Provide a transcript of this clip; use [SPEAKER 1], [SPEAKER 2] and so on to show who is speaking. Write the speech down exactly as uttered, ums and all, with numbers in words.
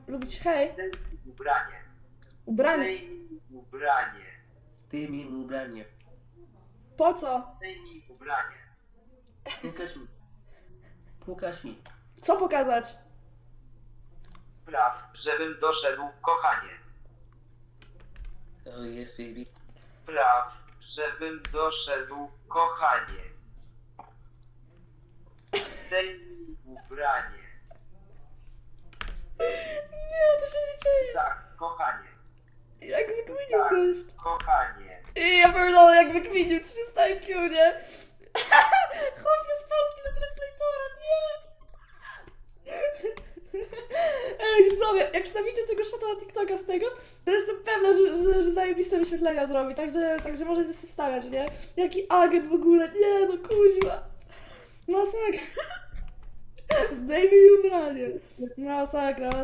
[SPEAKER 1] lubić hej?
[SPEAKER 2] Zdejmij ubranie.
[SPEAKER 1] Ubranie.
[SPEAKER 2] Zdejmij ubranie.
[SPEAKER 3] Zdejmij ubranie.
[SPEAKER 1] Po co?
[SPEAKER 2] Zdejmij ubranie.
[SPEAKER 3] Pokaż mi. Pokaż mi.
[SPEAKER 1] Co pokazać?
[SPEAKER 2] Spraw, żebym doszedł, kochanie.
[SPEAKER 3] Oh yes, baby.
[SPEAKER 2] Spraw, żebym doszedł, kochanie. Zdejmij ubranie.
[SPEAKER 1] Nie, to się nie dzieje.
[SPEAKER 2] Tak, kochanie.
[SPEAKER 1] Jak wykminił
[SPEAKER 2] Tak,
[SPEAKER 1] gość.
[SPEAKER 2] kochanie.
[SPEAKER 1] I ja pierdolę, jak wykminił trzysta I Q, nie? Chłopie z Polski na translatora, nie! Ej, widzowie, jak wstawicie tego shota na TikToka z tego, to jestem pewna, że, że, że zajebiste wyświetlenia zrobi, także, także możecie sobie stawiać, nie? Jaki agent w ogóle, nie no kuźwa. Masakra. Zdejmij ubranie. Masakra.